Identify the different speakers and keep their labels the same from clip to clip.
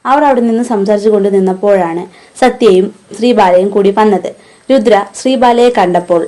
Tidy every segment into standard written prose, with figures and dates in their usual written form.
Speaker 1: അവർ അവിടെ നിന്ന് സംസാരിച്ചു കൊണ്ട് നിന്നപ്പോഴാണ് സത്യയും ശ്രീബാലയും കൂടി വന്നത്. രുദ്ര ശ്രീബാലയെ കണ്ടപ്പോൾ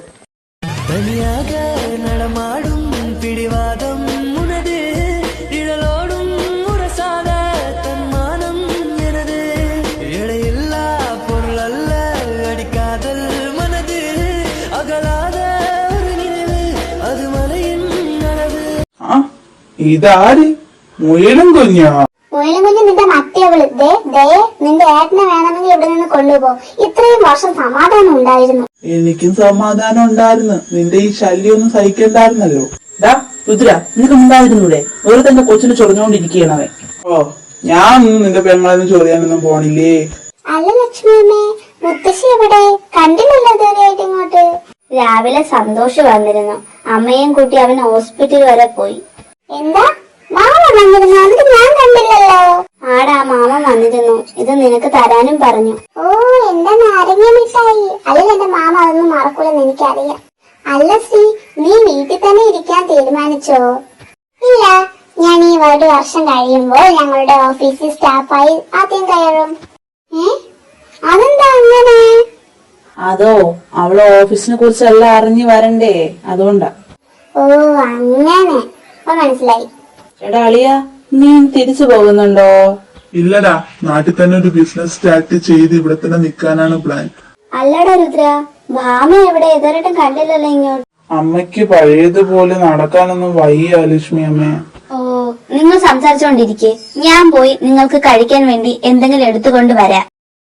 Speaker 2: ഇതാര്? മുയലും കുഞ്ഞോ?
Speaker 3: മുയലും കുഞ്ഞ് നിന്റെ മറ്റേവള്. നിന്റെ ഏട്ടനെ വേണമെങ്കിൽ ഇവിടെ നിന്ന് കൊണ്ടുപോ. ഇത്രയും വർഷം സമാധാനം ഉണ്ടായിരുന്നു.
Speaker 2: എനിക്കും സമാധാനം ഉണ്ടായിരുന്നു. നിന്റെ ഈ ശല്യം ഒന്നും സഹിക്കണ്ടായിരുന്നല്ലോ.
Speaker 4: രുദ്ര, നിനക്ക് ഉണ്ടായിരുന്നൂടെ? ഒരു തന്നെ കൊച്ചിന് ചൊറിഞ്ഞോണ്ടിരിക്കണവേ.
Speaker 2: ഓ, ഞാൻ ഒന്നും നിന്റെ പെങ്ങളൊന്നും ചൊറിയാനൊന്നും പോണില്ലേ.
Speaker 3: അല്ല ലക്ഷ്മിയമ്മേ, മുത്തശ്ശി എവിടെ? കണ്ടില്ലല്ലോ ഇതുവരെയായിട്ട് ഇങ്ങോട്ട്. രാവിലെ സന്തോഷ് വന്നിരുന്നു. അമ്മയും കൂട്ടി അവൻ ഹോസ്പിറ്റൽ വരെ പോയി. എന്താ മാമ വന്നിരുന്നു? അതിന് ഞാൻ കണ്ടില്ലല്ലോ. ആടാ, മാമ വന്നിരുന്നു. ഇത് നിനക്ക് തരാനും പറഞ്ഞു. ഓ, എന്റെ നാരങ്ങ മിഠായി. അല്ലെങ്കിൽ എന്റെ മാമ അതൊന്നും മറക്കൂലെന്ന് എനിക്കറിയാം. അല്ല ശ്രീ, നീ വീട്ടിൽ തന്നെ ഇരിക്കാൻ തീരുമാനിച്ചോ? ഇല്ല, ഞാൻ ഈ 1 വർഷം കഴിയുമ്പോൾ ഞങ്ങളുടെ ഓഫീസിൽ സ്റ്റാഫായി ആദ്യം കയറും. അതെന്താ അങ്ങനെ?
Speaker 4: അതോ, അവള് ഓഫീസിനെ കുറിച്ചെല്ലാം അറിഞ്ഞു വരണ്ടേ, അതുകൊണ്ടാ.
Speaker 3: ഓ, അങ്ങനെ. അപ്പൊ മനസ്സിലായി.
Speaker 4: എടാ അളിയ, നീ തിരിച്ചു പോകുന്നുണ്ടോ?
Speaker 2: ഇല്ലടാ, നാട്ടിൽ തന്നെ ഒരു ബിസിനസ് സ്റ്റാർട്ട് ചെയ്ത് ഇവിടെ തന്നെ നിക്കാനാണ് പ്ലാൻ.
Speaker 3: അല്ലടാ രുദ്ര, ഭാമ എവിടെ? ഇതുവരെയായിട്ടും കണ്ടില്ലല്ലോ ഇങ്ങോട്ട്.
Speaker 2: അമ്മയ്ക്ക് പഴയതുപോലെ നടക്കാനൊന്നും വയ്യ ലക്ഷ്മി അമ്മേ.
Speaker 3: ഓ, നിങ്ങൾ സംസാരിച്ചോണ്ടിരിക്കെ ഞാൻ പോയി നിങ്ങൾക്ക് കഴിക്കാൻ വേണ്ടി എന്തെങ്കിലും എടുത്തുകൊണ്ട് വരാം.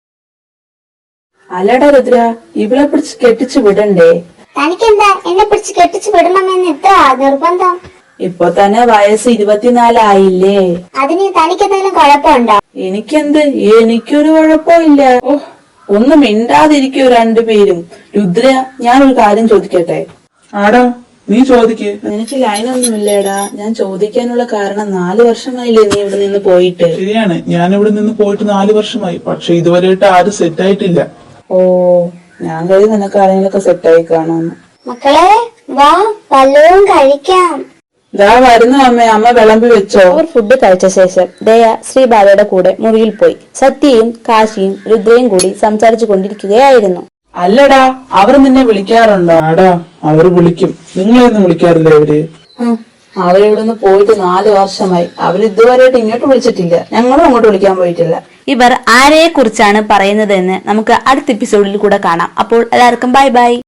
Speaker 4: അല്ലടാ രുദ്ര, ഇവളെ പിടിച്ച് കെട്ടിച്ചു വിടണ്ടേ?
Speaker 3: തനിക്കെന്താ എന്നെ പിടിച്ച് കെട്ടിച്ചു വിടണമെന്ന് ഇത്ര നിർബന്ധം?
Speaker 4: ഇപ്പൊ തന്നെ വയസ്സ് 24 ആയില്ലേ.
Speaker 3: അതിന് തനിക്കെന്തെങ്കിലും കുഴപ്പമുണ്ടോ?
Speaker 4: എനിക്കൊരു കുഴപ്പമില്ല. ഓ, ഒന്നും മിണ്ടാതിരിക്കോ രണ്ടുപേരും. രുദ്ര, ഞാനൊരു കാര്യം ചോദിക്കട്ടെ?
Speaker 2: ആടാ, നീ ചോദിക്കേ.
Speaker 4: എനിക്ക് ലൈനൊന്നുമില്ലേടാ. ഞാൻ ചോദിക്കാനുള്ള കാരണം 4 വർഷമായില്ലേ നീ ഇവിടെ നിന്ന് പോയിട്ട്?
Speaker 2: ശരിയാണ്, ഞാൻ ഇവിടെ നിന്ന് പോയിട്ട് 4 വർഷമായി. പക്ഷെ ഇതുവരെയായിട്ട് ആരും സെറ്റ് ആയിട്ടില്ല.
Speaker 4: ഓ, ഞാൻ കരുതി നിനക്ക് ആരെങ്കിലൊക്കെ സെറ്റായി കാണാന്ന്.
Speaker 3: മക്കളെ വാ, വല്ലതും കഴിക്കാം.
Speaker 4: ഇതാ വരുന്നു അമ്മ. അമ്മ വിളമ്പി വെച്ചോ?
Speaker 1: അവർ ഫുഡ് കഴിച്ച ശേഷം ദയ ശ്രീബാലയുടെ കൂടെ മുറിയിൽ പോയി. സത്യയും കാശിയും രുദ്രയും കൂടി സംസാരിച്ചു കൊണ്ടിരിക്കുകയായിരുന്നു.
Speaker 4: അല്ലടാ, അവർ നിന്നെ വിളിക്കാറുണ്ടോ?
Speaker 2: ആടാ, അവർ വിളിക്കും. നിങ്ങളെയൊന്നും വിളിക്കാറില്ലേ അവര്?
Speaker 4: അവരിവിടുന്ന് പോയിട്ട് 4 വർഷമായി. അവരിതുവരെയായിട്ട് ഇങ്ങോട്ട് വിളിച്ചിട്ടില്ല. ഞങ്ങളും അങ്ങോട്ട് വിളിക്കാൻ പോയിട്ടില്ല.
Speaker 1: ഇവർ ആരെയെ കുറിച്ചാണ് പറയുന്നതെന്ന് നമുക്ക് അടുത്ത എപ്പിസോഡിൽ കൂടെ കാണാം. അപ്പോൾ എല്ലാവർക്കും ബൈ ബൈ.